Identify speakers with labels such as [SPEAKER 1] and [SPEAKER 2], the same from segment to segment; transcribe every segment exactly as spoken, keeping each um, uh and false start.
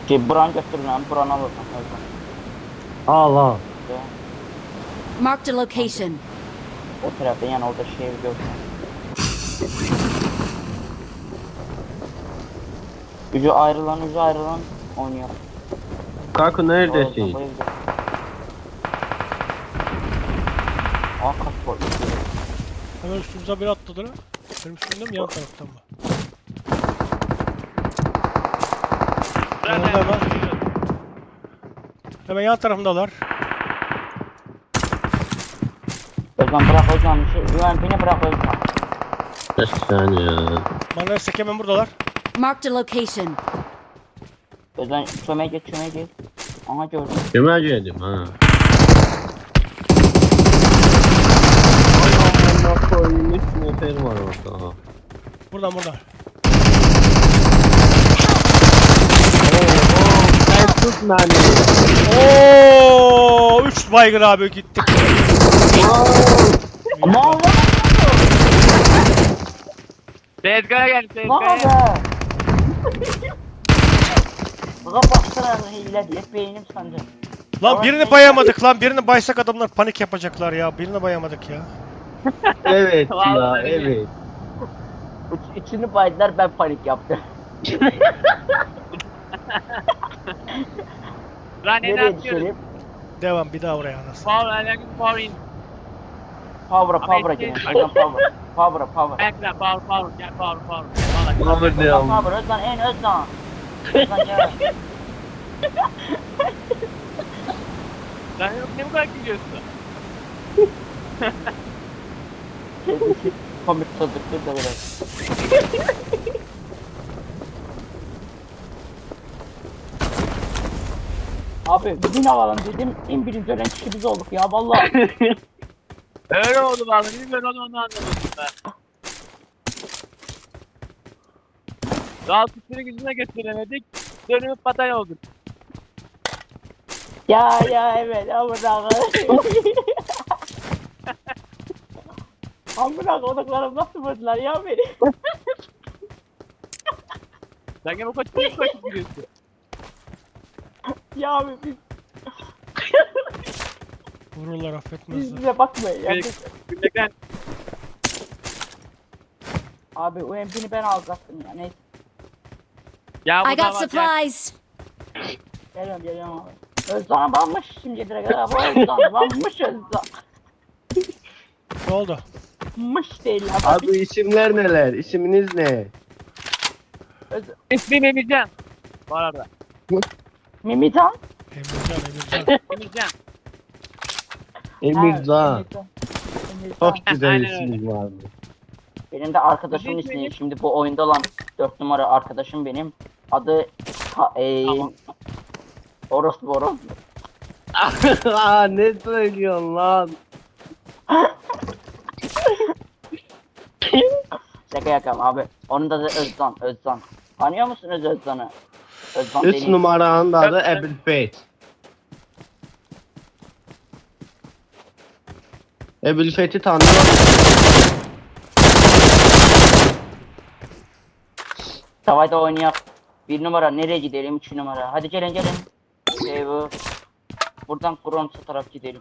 [SPEAKER 1] Şey buran götürün lan buranı alalım.
[SPEAKER 2] Al al.
[SPEAKER 3] Marked a location.
[SPEAKER 1] O tarafta yani orada şey gördüm. Ucu ayrılan ucu ayrılan oynuyor.
[SPEAKER 2] Kanka neredesin?
[SPEAKER 1] Aa kaç var?
[SPEAKER 4] Hemen üstümüze bir atladı lan. Benim üstümde mi yan taraftan mı? Hemen hemen. Hemen yan tarafındalar.
[SPEAKER 1] Özcan bırak Özcan bir şey. Güven beni bırak Özcan.
[SPEAKER 2] Kaç saniye ya?
[SPEAKER 4] Bana destek hemen buradalar.
[SPEAKER 3] Marked a location.
[SPEAKER 1] Özcan çömeğe geç çömeğe geç. Aha gördüm.
[SPEAKER 2] Kime geldim ha? Ay koyayım üç motor var orada.
[SPEAKER 4] Buradan buradan.
[SPEAKER 2] Sen tut beni.
[SPEAKER 4] Oo, üç baygın abi gittik.
[SPEAKER 1] Aman Allah!
[SPEAKER 5] Tezgaha gel
[SPEAKER 1] Ne
[SPEAKER 5] tezgaha.
[SPEAKER 1] be? Buna baksana hile diye beynim sandı.
[SPEAKER 4] Lan birini bayamadık lan. Birini baysak adamlar panik yapacaklar ya. Birini bayamadık ya.
[SPEAKER 2] Evet ya
[SPEAKER 5] Vallahi
[SPEAKER 2] evet.
[SPEAKER 1] Üç, üçünü baydılar ben panik yaptım.
[SPEAKER 5] Lan ne
[SPEAKER 1] Nereye
[SPEAKER 5] yapıyoruz?
[SPEAKER 1] düşelim?
[SPEAKER 4] Devam bir daha oraya anasını.
[SPEAKER 5] Power, alakın power in.
[SPEAKER 1] Power'a power'a
[SPEAKER 5] Ama
[SPEAKER 1] gelin.
[SPEAKER 5] eski-
[SPEAKER 1] Özcan power. Power'a power.
[SPEAKER 5] Bekle power power gel power power. Vallahi.
[SPEAKER 2] Power
[SPEAKER 1] Özcan
[SPEAKER 2] devam.
[SPEAKER 1] power Özcan en Özcan. Özcan gel.
[SPEAKER 5] Lan ne bu kadar gidiyorsun?
[SPEAKER 1] Komik sözlüktür de biraz. Abi bugün alalım dedim. En birinci ölen kişi biz olduk ya vallahi.
[SPEAKER 5] Öyle oldu vallahi. Bilmiyorum onu, onu anlamadım ben. Daha tuttuğunu gücüne getiremedik. Dönümüp patay olduk.
[SPEAKER 1] Ya ya evet amına koyayım. Amına koduklarım nasıl vurdular ya beni.
[SPEAKER 5] Sen gene bu koç koç koç gidiyorsun.
[SPEAKER 1] Ya abi biz,
[SPEAKER 4] Vururlar
[SPEAKER 1] biz
[SPEAKER 4] affetmezler.
[SPEAKER 1] bize bakmayın ya.
[SPEAKER 5] Peki.
[SPEAKER 1] Biz-
[SPEAKER 5] Gülmekten.
[SPEAKER 1] Abi o M P'ni ben alacaktım ya neyse.
[SPEAKER 5] Ya bu
[SPEAKER 3] I
[SPEAKER 5] da
[SPEAKER 3] got
[SPEAKER 5] var. ya.
[SPEAKER 3] supplies.
[SPEAKER 1] Geliyorum geliyorum abi. Özdan banmış şimdi direkt abi Özdan banmış Özdan.
[SPEAKER 4] Ne oldu?
[SPEAKER 1] Mış değil abi.
[SPEAKER 2] Abi isimler neler? İsminiz ne?
[SPEAKER 1] Öz...
[SPEAKER 5] İsmim Emircan. Bu arada.
[SPEAKER 1] Mimitan?
[SPEAKER 4] Emircan Emircan.
[SPEAKER 5] Emircan.
[SPEAKER 2] Emircan.
[SPEAKER 1] Ha, Emircan. Emircan.
[SPEAKER 2] Çok güzel
[SPEAKER 5] Aynen
[SPEAKER 2] isim var.
[SPEAKER 1] Benim de arkadaşımın
[SPEAKER 5] Bizim
[SPEAKER 1] ismi
[SPEAKER 5] benim-
[SPEAKER 1] şimdi bu oyunda olan dört numara arkadaşım benim. Adı ha, eee
[SPEAKER 5] Tamam.
[SPEAKER 1] Orospu Orospu.
[SPEAKER 2] Aa ne söylüyorsun lan?
[SPEAKER 1] Şaka yapıyorum abi. Onun da adı Özdan. Özdan. Tanıyor musunuz Özdan'ı? Özdan
[SPEAKER 2] Üç
[SPEAKER 1] benim.
[SPEAKER 2] numaranın da adı Ebil Feth. Ebil Feth'i tanıyor musun?
[SPEAKER 1] Savaşta oynayak. Bir numara nereye gidelim? Üç numara. Hadi gelin gelin. Şey bu. Buradan Kronsa taraf gidelim.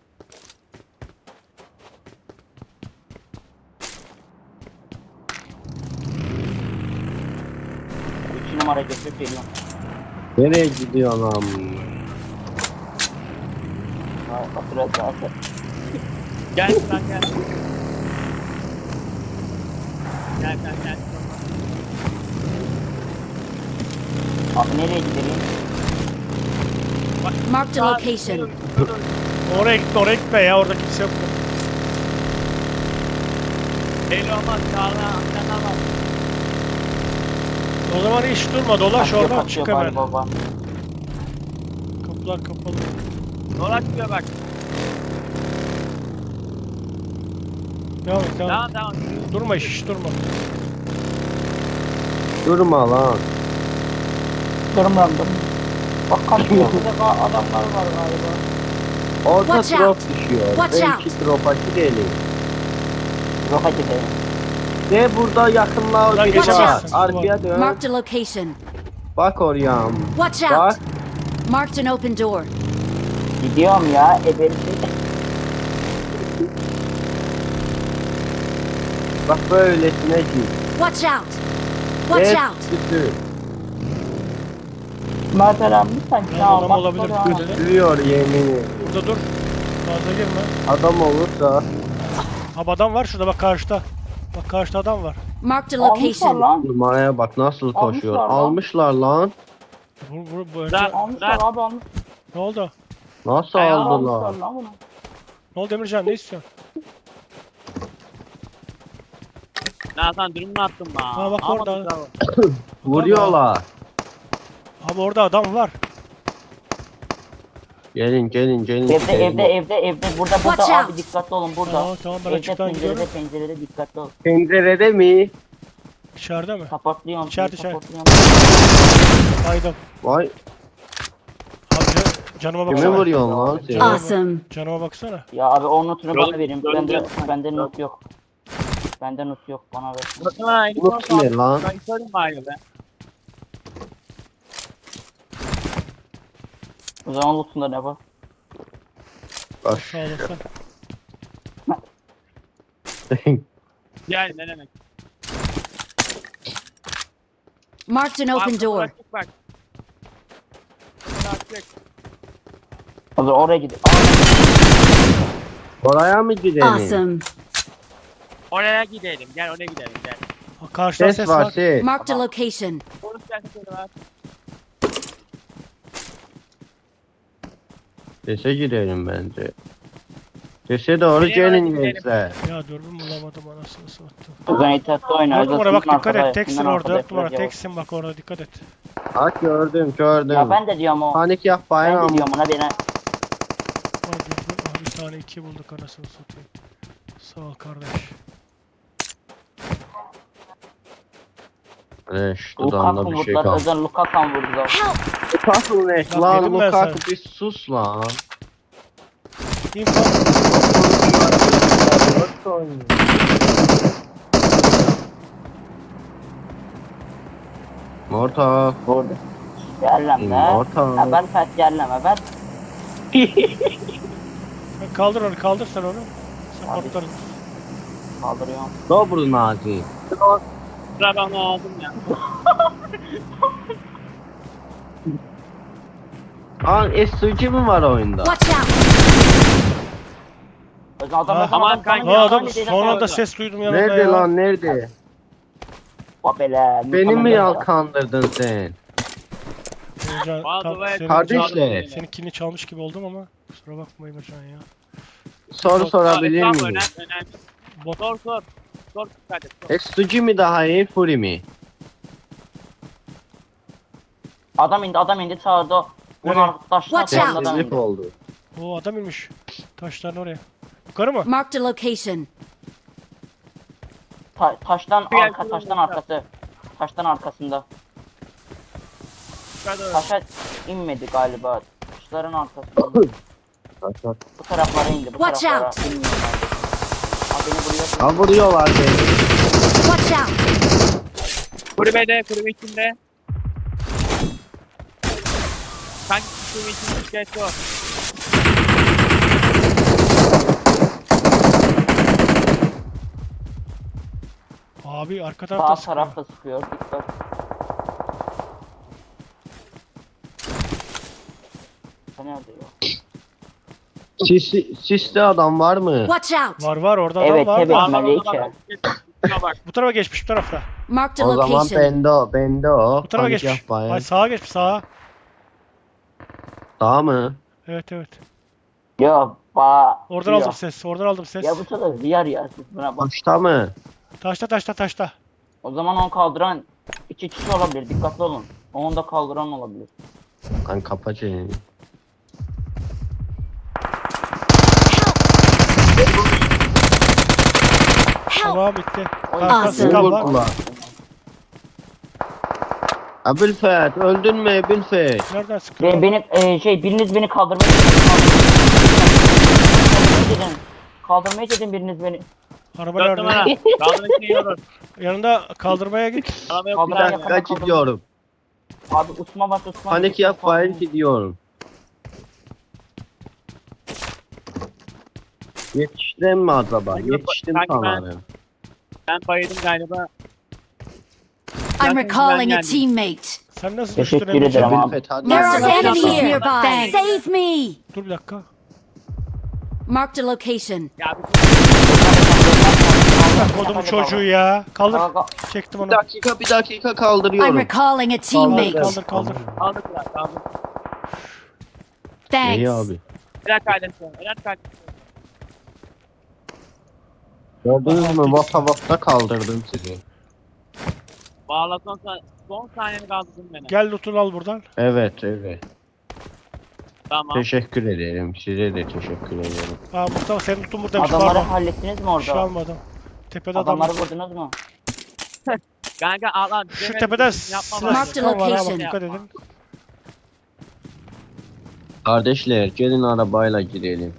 [SPEAKER 1] Üç numara götürüp geliyorum.
[SPEAKER 2] Nereye gidiyorsun lan?
[SPEAKER 1] Ha, hatırlat zaten.
[SPEAKER 5] Gel lan gel. Gel gel gel.
[SPEAKER 1] Abi nereye gidelim?
[SPEAKER 3] Marked a location.
[SPEAKER 4] Oraya gitme oraya gitme ya. Orada kimse yok.
[SPEAKER 5] Belli olmaz. Sağına amcana var.
[SPEAKER 4] O zaman hiç durma. Dolaş
[SPEAKER 1] Kaçıyor,
[SPEAKER 4] oradan
[SPEAKER 1] kaçıyor
[SPEAKER 4] çık hemen.
[SPEAKER 1] bari baba.
[SPEAKER 4] Kapılar kapalı.
[SPEAKER 5] Dolaşmıyor bak.
[SPEAKER 4] Devam et devam
[SPEAKER 5] Tamam
[SPEAKER 4] et.
[SPEAKER 5] tamam.
[SPEAKER 4] Durma hiç, hiç durma.
[SPEAKER 2] Durma lan.
[SPEAKER 1] Durumlandım. Bak kaçıyor. Burada ka- adamlar var galiba.
[SPEAKER 2] Orta
[SPEAKER 3] Watch
[SPEAKER 2] drop
[SPEAKER 3] out.
[SPEAKER 2] düşüyor.
[SPEAKER 3] Watch
[SPEAKER 2] Belki drop'a gidelim.
[SPEAKER 1] Roka gidelim.
[SPEAKER 2] Ve burada yakınlığa
[SPEAKER 4] Buradan
[SPEAKER 2] biri
[SPEAKER 4] geçemezsin,
[SPEAKER 2] var.
[SPEAKER 4] dur
[SPEAKER 2] Arkaya dön.
[SPEAKER 3] Marked a location.
[SPEAKER 2] Bak oraya.
[SPEAKER 3] Watch
[SPEAKER 2] Bak.
[SPEAKER 3] out! Marked an open door.
[SPEAKER 1] Gidiyorum ya. Ebeli.
[SPEAKER 2] Bak böylesine git.
[SPEAKER 3] Watch out! Watch
[SPEAKER 2] Geç
[SPEAKER 3] out!
[SPEAKER 2] sütü.
[SPEAKER 1] Mert Eren lütfen.
[SPEAKER 4] Ben
[SPEAKER 1] Ya,
[SPEAKER 4] adam
[SPEAKER 1] bak
[SPEAKER 4] olabilir.
[SPEAKER 1] sonra.
[SPEAKER 4] Dikkat edin.
[SPEAKER 2] Sürüyor yemini.
[SPEAKER 4] Burada dur. Fazla girme.
[SPEAKER 2] Adam olursa.
[SPEAKER 4] Abi adam var şurada bak karşıda. Bak karşıda adam var.
[SPEAKER 3] Marked a
[SPEAKER 1] Almışlar
[SPEAKER 3] location.
[SPEAKER 1] lan.
[SPEAKER 2] Numaraya bak nasıl koşuyor.
[SPEAKER 1] Almışlar lan.
[SPEAKER 2] Almışlar lan.
[SPEAKER 4] Vur vur bu önce.
[SPEAKER 5] Lan.
[SPEAKER 1] Almışlar abi almış.
[SPEAKER 4] Ne oldu?
[SPEAKER 2] Nasıl
[SPEAKER 5] Ay,
[SPEAKER 2] aldılar?
[SPEAKER 1] Almışlar lan bunu.
[SPEAKER 4] Ne oldu Emircan ne istiyorsun?
[SPEAKER 5] Nazan dürümünü attım lan.
[SPEAKER 4] Ha, bak
[SPEAKER 5] Almadık
[SPEAKER 4] orada.
[SPEAKER 5] daha.
[SPEAKER 2] Vuruyorlar.
[SPEAKER 4] Abi orada adam var.
[SPEAKER 2] Gelin gelin gelin.
[SPEAKER 1] Evde
[SPEAKER 2] gidelim.
[SPEAKER 1] evde evde evde. Burada burada
[SPEAKER 3] Watch
[SPEAKER 1] abi
[SPEAKER 3] out.
[SPEAKER 1] dikkatli olun burada.
[SPEAKER 4] Tamam tamam ben
[SPEAKER 1] Evde
[SPEAKER 4] açıktan
[SPEAKER 1] pencerede
[SPEAKER 4] gidiyorum.
[SPEAKER 1] pencerede dikkatli ol.
[SPEAKER 2] Pencerede mi?
[SPEAKER 4] İçeride mi?
[SPEAKER 1] Supportluyorum.
[SPEAKER 4] İçeride,
[SPEAKER 1] seni
[SPEAKER 4] içeride.
[SPEAKER 1] supportluyorum.
[SPEAKER 4] Baydım.
[SPEAKER 2] Vay
[SPEAKER 4] Abi can- canıma
[SPEAKER 2] kimi
[SPEAKER 4] baksana.
[SPEAKER 2] vuruyorsun lan sen?
[SPEAKER 3] Awesome.
[SPEAKER 4] Canıma baksana.
[SPEAKER 1] Ya abi o notunu
[SPEAKER 5] Yol-
[SPEAKER 1] bana verin.
[SPEAKER 5] yol-
[SPEAKER 1] Bende
[SPEAKER 5] yol-
[SPEAKER 1] bende not yok. Bende not yok. Bana ver.
[SPEAKER 5] Bakın ha.
[SPEAKER 2] Unut ne lan?
[SPEAKER 5] Ben söyleyeyim bari be.
[SPEAKER 1] O zaman lootunda ne var?
[SPEAKER 2] Bak.
[SPEAKER 4] Sağ olasın.
[SPEAKER 5] Yani ne demek?
[SPEAKER 3] Marked an open
[SPEAKER 5] Abi,
[SPEAKER 3] door.
[SPEAKER 5] bıraktık bak. Bıraktık.
[SPEAKER 1] O zaman oraya gidin.
[SPEAKER 2] Oraya mı gidelim?
[SPEAKER 3] Awesome.
[SPEAKER 5] Oraya gidelim. Gel oraya gidelim gel.
[SPEAKER 4] Ha, Karşıdan
[SPEAKER 2] Ses
[SPEAKER 4] ses
[SPEAKER 2] var
[SPEAKER 4] var.
[SPEAKER 2] ses.
[SPEAKER 3] Marked a location.
[SPEAKER 5] Polis gerçekleri var.
[SPEAKER 2] Sese gidelim bence. Sese doğru
[SPEAKER 5] Nereye
[SPEAKER 2] gelin
[SPEAKER 5] gidelim?
[SPEAKER 2] gençler.
[SPEAKER 4] Ya dürbün bulamadım anasını sattım.
[SPEAKER 1] O zaman itaatli oyna.
[SPEAKER 4] Dört numara bak
[SPEAKER 1] Sınıfın
[SPEAKER 4] dikkat
[SPEAKER 1] arkada,
[SPEAKER 4] et. Teksin
[SPEAKER 1] sınıfın
[SPEAKER 4] orada.
[SPEAKER 1] arkada
[SPEAKER 4] Dört numara
[SPEAKER 1] yapacağız.
[SPEAKER 4] teksin bak orada dikkat et.
[SPEAKER 2] Bak gördüm gördüm.
[SPEAKER 1] Ya ben de diyorum o.
[SPEAKER 2] Panik yapmayın
[SPEAKER 1] Ben de
[SPEAKER 2] ama.
[SPEAKER 1] diyorum ona beni.
[SPEAKER 4] Vay dürbün. Aha, bir tane iki bulduk anasını satayım. Sağ ol kardeş.
[SPEAKER 2] Reş
[SPEAKER 1] Lukaku
[SPEAKER 2] dudağında bir şey
[SPEAKER 1] vurdular.
[SPEAKER 2] kaldı.
[SPEAKER 1] Özel Lukaku vurdular.
[SPEAKER 3] Help!
[SPEAKER 2] Lukaku ne?
[SPEAKER 4] Lan
[SPEAKER 2] Lan
[SPEAKER 4] dedim ben
[SPEAKER 2] Lukaku
[SPEAKER 4] sana.
[SPEAKER 2] bir sus lan.
[SPEAKER 4] İnfo.
[SPEAKER 2] Morta.
[SPEAKER 1] Vurdu. Yerleme.
[SPEAKER 2] Morta.
[SPEAKER 1] Ha ben pet yerleme ben.
[SPEAKER 4] Sen kaldır onu kaldır sen onu. Sen
[SPEAKER 1] Hadi.
[SPEAKER 4] patlarız.
[SPEAKER 1] Kaldırıyorum.
[SPEAKER 2] Dobro nazi.
[SPEAKER 5] Sıra ben onu aldım ya.
[SPEAKER 2] Lan S G mi var oyunda?
[SPEAKER 3] Watch out!
[SPEAKER 1] O zaman adam
[SPEAKER 4] Ha,
[SPEAKER 1] o zaman
[SPEAKER 5] aman
[SPEAKER 1] adam
[SPEAKER 5] kanka,
[SPEAKER 1] canım
[SPEAKER 4] Ha
[SPEAKER 1] ya,
[SPEAKER 4] adam
[SPEAKER 1] hani değil,
[SPEAKER 4] son anda
[SPEAKER 5] orada.
[SPEAKER 4] ses duydum yanımda
[SPEAKER 2] Nerede
[SPEAKER 4] ya.
[SPEAKER 2] lan nerede?
[SPEAKER 1] Babele.
[SPEAKER 2] Beni mi
[SPEAKER 1] mükemmel.
[SPEAKER 2] yalkandırdın sen?
[SPEAKER 4] Emircan,
[SPEAKER 5] Bazı
[SPEAKER 4] tam
[SPEAKER 5] ve-
[SPEAKER 4] senin,
[SPEAKER 2] Kardeşler.
[SPEAKER 4] senin kilini çalmış gibi oldum ama kusura bakma Emircan ya.
[SPEAKER 2] Soru sorabilir
[SPEAKER 5] Tamam,
[SPEAKER 2] miyim?
[SPEAKER 5] Önemli önemli.
[SPEAKER 4] Bot
[SPEAKER 5] Sor sor. Sor kardeş. Sor.
[SPEAKER 2] S G mi daha iyi Fury mi?
[SPEAKER 1] Adam indi adam indi sağda. Bunun
[SPEAKER 4] Nereye?
[SPEAKER 1] arkadaşlar
[SPEAKER 3] Watch out.
[SPEAKER 1] adam
[SPEAKER 2] Sessizlik
[SPEAKER 1] indi.
[SPEAKER 2] oldu.
[SPEAKER 4] O adam inmiş. Taşların oraya. Yukarı mı?
[SPEAKER 3] Marked a location.
[SPEAKER 1] Ta- taştan
[SPEAKER 5] Bir
[SPEAKER 1] arka
[SPEAKER 5] yer-
[SPEAKER 1] taştan arkası. Taştan arkasında.
[SPEAKER 5] Hadi.
[SPEAKER 1] Taşa inmedi galiba. Taşların arkasında. Bu taraflara indi. Bu
[SPEAKER 3] Watch
[SPEAKER 1] taraflara
[SPEAKER 3] out.
[SPEAKER 1] inmiyor bence. Ha beni vuruyor.
[SPEAKER 2] Ha vuruyorlar beni.
[SPEAKER 3] Watch out!
[SPEAKER 5] Kulübede, kulübe içinde. Kanki kulübe içinde geç o.
[SPEAKER 4] Abi arka
[SPEAKER 1] Sağ
[SPEAKER 4] tarafta sıkıyor.
[SPEAKER 1] tarafta sıkıyor. Dikkat. Bu nerede ya?
[SPEAKER 2] Sisli, sisli adam var mı?
[SPEAKER 3] Watch out!
[SPEAKER 4] Var var orada
[SPEAKER 1] Evet,
[SPEAKER 4] adam var.
[SPEAKER 1] evet.
[SPEAKER 4] da.
[SPEAKER 5] Ağzına
[SPEAKER 1] Melike.
[SPEAKER 5] bak. Şuna bak.
[SPEAKER 4] Bu tarafa geçmiş bu tarafta.
[SPEAKER 3] Marked a
[SPEAKER 2] O zaman
[SPEAKER 3] location.
[SPEAKER 2] bende o, bende o.
[SPEAKER 4] Bu tarafa
[SPEAKER 2] Panik
[SPEAKER 4] geçmiş.
[SPEAKER 2] yapmayın.
[SPEAKER 4] Ay sağa geçmiş sağa.
[SPEAKER 2] Daha mı?
[SPEAKER 4] Evet evet.
[SPEAKER 1] Ya ba.
[SPEAKER 4] Oradan
[SPEAKER 1] ya.
[SPEAKER 4] aldım ses. Oradan aldım ses.
[SPEAKER 1] Ya bu kadar ziyar ya siz buna bak.
[SPEAKER 2] Başta mı?
[SPEAKER 4] Taşta taşta taşta.
[SPEAKER 1] O zaman onu kaldıran iki kişi olabilir. Dikkatli olun. Onu da kaldıran olabilir.
[SPEAKER 2] Lan kapa çeneni.
[SPEAKER 3] Help!
[SPEAKER 4] Tamam bitti.
[SPEAKER 1] Oy.
[SPEAKER 4] Karşıda
[SPEAKER 3] Awesome.
[SPEAKER 4] sıkan
[SPEAKER 2] Beni
[SPEAKER 4] var.
[SPEAKER 2] vurdular. Abülfet öldün mü Abülfet?
[SPEAKER 4] Nereden sıkıyor?
[SPEAKER 1] Be- beni e, şey biriniz beni kaldırmaya Kaldırmaya gidin. Kaldırmaya gidin biriniz beni.
[SPEAKER 4] Araba
[SPEAKER 5] Dört numara.
[SPEAKER 4] nerede?
[SPEAKER 5] Kaldırın içine yiyoruz.
[SPEAKER 4] Yanında kaldırmaya git.
[SPEAKER 5] Araba
[SPEAKER 2] Bir
[SPEAKER 5] yok.
[SPEAKER 1] Kaldıran
[SPEAKER 5] bir
[SPEAKER 2] dakika
[SPEAKER 1] yapamam,
[SPEAKER 2] gidiyorum.
[SPEAKER 1] Abi Osman bas Osman.
[SPEAKER 2] Panik yapmayın gidiyorum. Yetiştim mi acaba?
[SPEAKER 5] Sanki-
[SPEAKER 2] Yetiştim
[SPEAKER 5] sanki ben-
[SPEAKER 2] sanırım.
[SPEAKER 5] Ben bayıldım galiba.
[SPEAKER 3] I'm
[SPEAKER 5] Zaten
[SPEAKER 3] recalling a
[SPEAKER 5] ben geldim.
[SPEAKER 3] teammate.
[SPEAKER 4] Sen nasıl
[SPEAKER 1] Teşekkür
[SPEAKER 4] düştün Emre'ciğim?
[SPEAKER 1] ederim abi.
[SPEAKER 2] Bilfet hadi.
[SPEAKER 3] There
[SPEAKER 5] Yeah.
[SPEAKER 3] are
[SPEAKER 5] Yeah.
[SPEAKER 3] enemies
[SPEAKER 5] Yeah.
[SPEAKER 3] nearby.
[SPEAKER 5] Thanks.
[SPEAKER 3] Save me!
[SPEAKER 4] Dur bir dakika.
[SPEAKER 3] Marked a location.
[SPEAKER 5] Ya bir
[SPEAKER 4] Bak kodumu çocuğu ya. Kaldır.
[SPEAKER 1] Kaldır.
[SPEAKER 4] Çektim onu.
[SPEAKER 2] Bir dakika bir dakika
[SPEAKER 3] I'm
[SPEAKER 2] kaldırıyorum.
[SPEAKER 3] recalling a
[SPEAKER 4] Kaldır
[SPEAKER 3] teammate.
[SPEAKER 4] kaldır kaldır.
[SPEAKER 5] aldıklar aldık.
[SPEAKER 2] İyi
[SPEAKER 3] Thanks.
[SPEAKER 2] abi.
[SPEAKER 5] Helal kardeşim. Helal kardeşim.
[SPEAKER 2] Gördünüz mü? Vata vata kaldırdım sizi.
[SPEAKER 5] Valla son, sa- son saniyeni kaldırdın beni.
[SPEAKER 4] Gel lootunu al buradan.
[SPEAKER 2] Evet evet.
[SPEAKER 5] Tamam.
[SPEAKER 2] Teşekkür ederim. Size de teşekkür ederim.
[SPEAKER 4] Aa Mustafa senin lootun buradaymış.
[SPEAKER 1] Adamları
[SPEAKER 4] Pardon.
[SPEAKER 1] hallettiniz mi
[SPEAKER 4] Bir şey
[SPEAKER 1] orada?
[SPEAKER 4] almadım. Tepede adam
[SPEAKER 1] Adamları
[SPEAKER 4] var.
[SPEAKER 1] vurdunuz mu?
[SPEAKER 5] Kanka al al.
[SPEAKER 4] Şu
[SPEAKER 5] Demedim,
[SPEAKER 4] tepeden
[SPEAKER 5] yapma
[SPEAKER 4] silah
[SPEAKER 5] bari.
[SPEAKER 3] Marked
[SPEAKER 4] sıkan var ha bak
[SPEAKER 3] location.
[SPEAKER 4] dikkat edin.
[SPEAKER 2] Kardeşler gelin arabayla gidelim.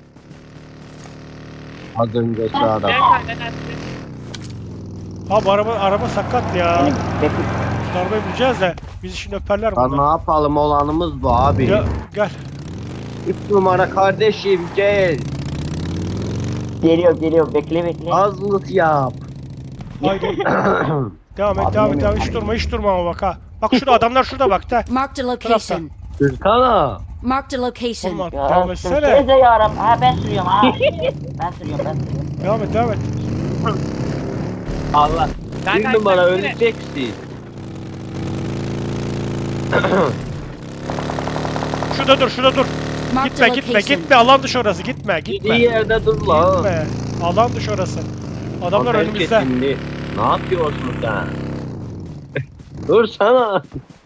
[SPEAKER 2] Az önceki
[SPEAKER 5] Gel
[SPEAKER 2] araba.
[SPEAKER 5] kardeşim.
[SPEAKER 4] Ha bu araba araba sakat ya.
[SPEAKER 1] Benim bekle.
[SPEAKER 4] Şu arabayı bulacağız da bizi şimdi öperler
[SPEAKER 2] Lan ne
[SPEAKER 4] bunlar.
[SPEAKER 2] yapalım olanımız bu abi.
[SPEAKER 4] Gel, gel.
[SPEAKER 2] Üç numara kardeşim gel.
[SPEAKER 1] Geliyor geliyor bekle bekle.
[SPEAKER 2] Azlık yap.
[SPEAKER 4] Haydi. Devam et
[SPEAKER 1] Abi
[SPEAKER 4] devam et
[SPEAKER 1] yemin-
[SPEAKER 4] devam et. Hiç durma hiç durma ama bak ha. Bak şurada adamlar şurada bak da.
[SPEAKER 3] Marked a location.
[SPEAKER 2] Türkan'a.
[SPEAKER 3] Marked a location.
[SPEAKER 4] Olmaz.
[SPEAKER 1] Ya
[SPEAKER 4] Devam etsene.
[SPEAKER 1] sürsenize ya Rab. Ha ben sürüyorum ha. ben sürüyorum ben sürüyorum.
[SPEAKER 4] Devam et devam et.
[SPEAKER 5] Allah.
[SPEAKER 2] Bir
[SPEAKER 5] Kanka,
[SPEAKER 2] numara
[SPEAKER 5] sen yine-
[SPEAKER 2] öleceksin.
[SPEAKER 4] Şurada dur şurada dur.
[SPEAKER 3] Marked
[SPEAKER 4] Gitme
[SPEAKER 3] a
[SPEAKER 4] gitme
[SPEAKER 3] location.
[SPEAKER 4] gitme alan dışı orası gitme gitme.
[SPEAKER 2] Gittiği yerde dur lan.
[SPEAKER 4] Gitme. Alan dışı orası. Adamlar
[SPEAKER 2] Lan belki
[SPEAKER 4] önümüzde.
[SPEAKER 2] şimdi ne yapıyorsun sen? Dur sana.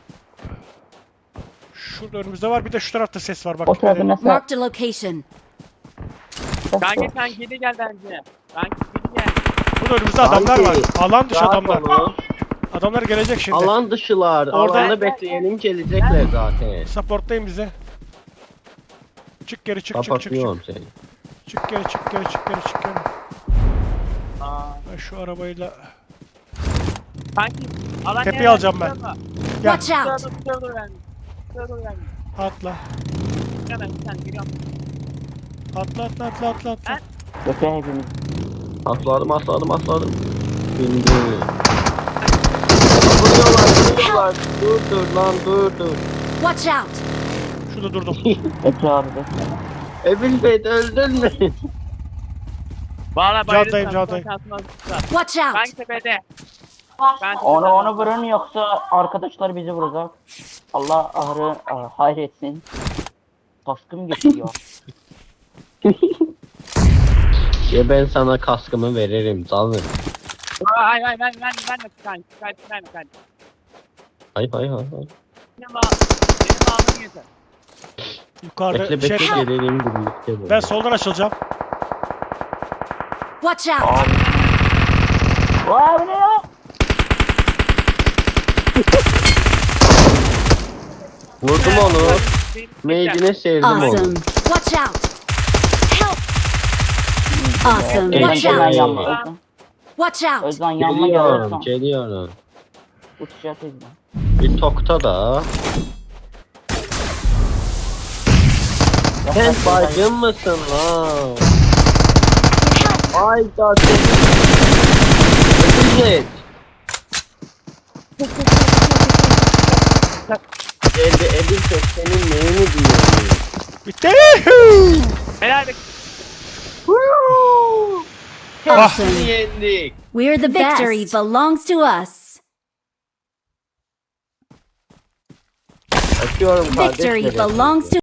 [SPEAKER 4] Şurada önümüzde var bir de şu tarafta ses var bak.
[SPEAKER 1] O
[SPEAKER 4] dikkat
[SPEAKER 1] sırada
[SPEAKER 4] edin.
[SPEAKER 1] mesela.
[SPEAKER 3] Marked a location.
[SPEAKER 5] Kanka sen geri gel bence. Kanka geri gel.
[SPEAKER 4] Burada önümüzde adamlar var.
[SPEAKER 2] Kanki,
[SPEAKER 4] Alan dışı
[SPEAKER 2] Rahat
[SPEAKER 4] adamlar.
[SPEAKER 2] olun.
[SPEAKER 4] Adamlar gelecek şimdi.
[SPEAKER 2] Alan dışılar.
[SPEAKER 4] Orada-
[SPEAKER 2] Alanı bekleyelim gelecekler zaten.
[SPEAKER 4] Supportlayın bize. Çık geri çık çık çık çık.
[SPEAKER 2] Kapatıyorum seni.
[SPEAKER 4] Çık geri çık geri çık geri çık geri.
[SPEAKER 5] Aa.
[SPEAKER 4] Ben şu arabayla
[SPEAKER 5] Kanki. Alan
[SPEAKER 4] Tepeyi
[SPEAKER 5] yere-
[SPEAKER 4] alacağım ben.
[SPEAKER 5] Şurada,
[SPEAKER 4] gel
[SPEAKER 3] Watch
[SPEAKER 5] şurada,
[SPEAKER 3] out.
[SPEAKER 5] şurada dur ben. Şurada dur ben.
[SPEAKER 4] atla.
[SPEAKER 5] Hemen sen geliyorum.
[SPEAKER 4] Atla atla atla atla atla.
[SPEAKER 1] Bekle hepimiz.
[SPEAKER 2] Atladım atladım atladım. Şimdi. Vuruyorlar vuruyorlar. Dur dur lan dur dur.
[SPEAKER 3] Watch out.
[SPEAKER 4] Şurada durdum.
[SPEAKER 1] Bekle abi bekle.
[SPEAKER 2] Ebil Bey öldün mü?
[SPEAKER 5] Valla
[SPEAKER 4] Caldayım,
[SPEAKER 5] bayılırsan
[SPEAKER 4] caldayım.
[SPEAKER 5] son şansını alırsan.
[SPEAKER 3] Watch out.
[SPEAKER 5] Kanki tepede. Ben
[SPEAKER 1] Onu onu vurun yoksa arkadaşlar bizi vuracak. Allah ahırı ah, hayretsin. Kaskım geçiyor.
[SPEAKER 2] Ya ben sana kaskımı veririm canım.
[SPEAKER 5] Ay ay ben ben ben de kanki. Kanki ben de kanki.
[SPEAKER 2] Hay hay hay. hay.
[SPEAKER 5] Benim ağ benim ağımı yeter.
[SPEAKER 4] Yukarıda
[SPEAKER 2] Bekle
[SPEAKER 4] şey.
[SPEAKER 2] bekle gelelim birlikte.
[SPEAKER 4] Ben soldan açılacağım.
[SPEAKER 3] Watch out.
[SPEAKER 1] Abi. Vay bu ne ya?
[SPEAKER 2] Vurdum onu. Made'ine sevdim onu.
[SPEAKER 3] Awesome. Watch out. Help. Awesome.
[SPEAKER 2] Evet,
[SPEAKER 3] Watch
[SPEAKER 1] Özden
[SPEAKER 2] evet.
[SPEAKER 3] out.
[SPEAKER 1] yanma. Özden,
[SPEAKER 3] Watch out.
[SPEAKER 1] Özden yanma
[SPEAKER 2] Geliyorum
[SPEAKER 1] geliyorsan.
[SPEAKER 2] geliyorum.
[SPEAKER 1] Uçacağız Özden.
[SPEAKER 2] Bir tokta da. Sen bacım mısın lan? Ay da Evet. Elde Ebil Bey senin neyini duyuyorsun?
[SPEAKER 4] Bitti.
[SPEAKER 5] Helal be.
[SPEAKER 3] Awesome.
[SPEAKER 2] Yendik.
[SPEAKER 3] We're the best. Victory belongs to us.
[SPEAKER 2] Açıyorum
[SPEAKER 3] Victory
[SPEAKER 2] kardeşlerim.
[SPEAKER 3] belongs to